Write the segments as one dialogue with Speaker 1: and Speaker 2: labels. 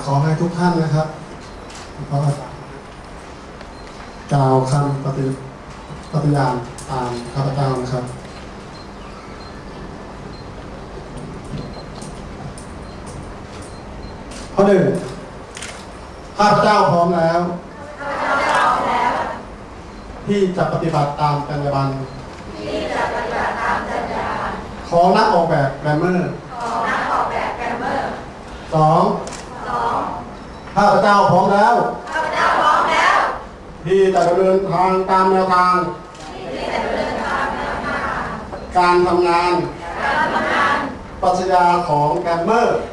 Speaker 1: ขอให้ทุกท่านนะครับกล่าวคำปฏิญาณตามข้าพเจ้านะครับข้อหนึ่งข้าพเจ้าพร้อมแล้วที่จะปฏิบัติตามจรรยาบรรณของนักออกแบบแกรมเมอร์สองข้าพเจ้าพร้อมแล้วที่จะดำเนินทางตามแนวทางการทำงานปรัชญาของแกรมเมอร์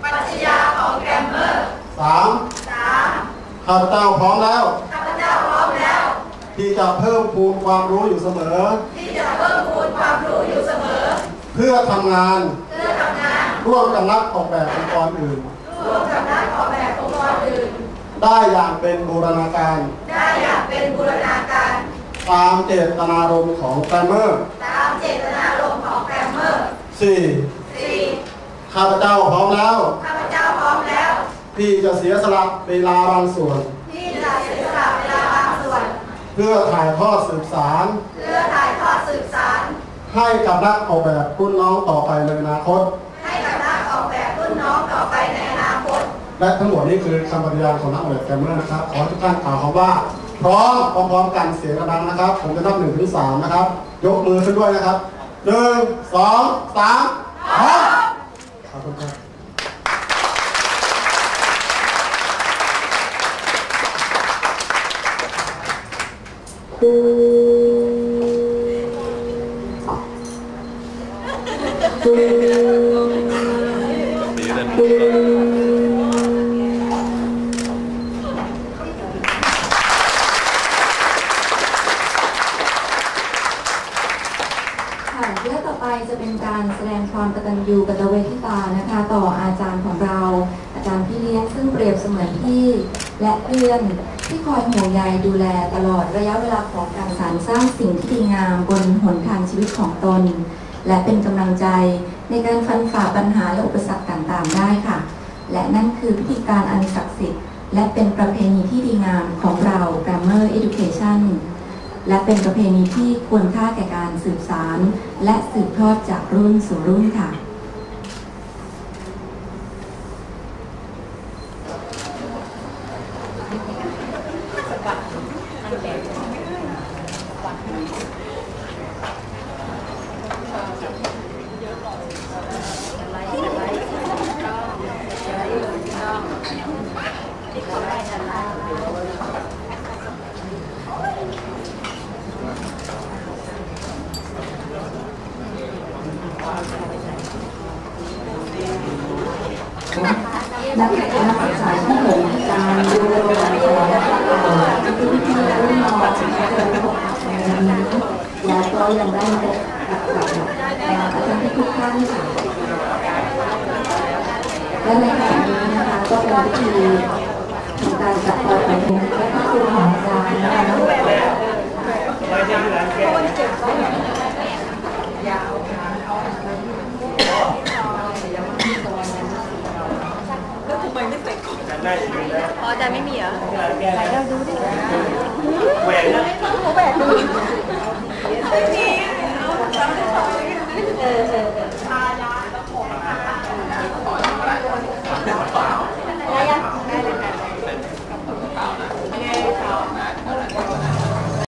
Speaker 1: สามข้าพเจ้าพร้อมแล้วที่จะเพิ่มพูนความรู้อยู่เสมอเพื่อทำงานร่วมกับนักออกแบบองค์กรอื่นได้อย่างเป็นบูรณาการตามเจตนารมณ์ของแกรมเมอร์สี่ข้าพเจ้าพร้อมแล้วที่จะเสียสละเวลาบางส่วนเพื่อถ่ายทอดสืบสารให้กับนักออกแบบรุ่นน้องต่อไปในอนาคตและทั้งหมดนี้คือคำปฏิญาณของนักออกแบบแกรมเมอร์นะครับขอทุกท่านกล่าวคำว่าพร้อมพร้อมกันเสียงดังนะครับผมจะนับ1 ถึง 3นะครับยกมือขึ้นด้วยนะครับ1 2 3พร้อมขอบคุณครับ
Speaker 2: และต่อไปจะเป็นการแสดงความกตัญญูกตเวทิตานะคะต่ออาจารย์ของเราอาจารย์พี่เลี้ยงซึ่งเปรียบเสมือนพี่และเพื่อนที่คอยห่วงใยดูแลตลอดระยะเวลาของการสานสร้างสิ่งที่ดีงามบนหนทางชีวิตของตนและเป็นกำลังใจในการฟันฝ่าปัญหาและอุปสรรคต่างๆได้ค่ะและนั่นคือพิธีการอันศักดิ์สิทธิ์และเป็นประเพณีที่ดีงามของเรา Grammar Education และเป็นประเพณีที่ควรค่าแก่การสืบสานและสืบทอดจากรุ่นสู่รุ่นค่ะนักศึกษาที่เหมือนการดูแลที่ที่รุ่นน้องแล้วก็ยังได้กับอาจารย์ทุกท่านค่ะและในขณะนี้นะคะก็เป็นพิธีทำการจัดต่อไปและก็คือของอาจารย์นะคะ
Speaker 3: ได้อยู่แล้ว
Speaker 4: อ๋อแต่ไม่มีเหรอไหนเราดูดิ
Speaker 3: แหวนนะ
Speaker 4: เขาแหวนดูไม่มีชาดาแล้วผมอะไรยัง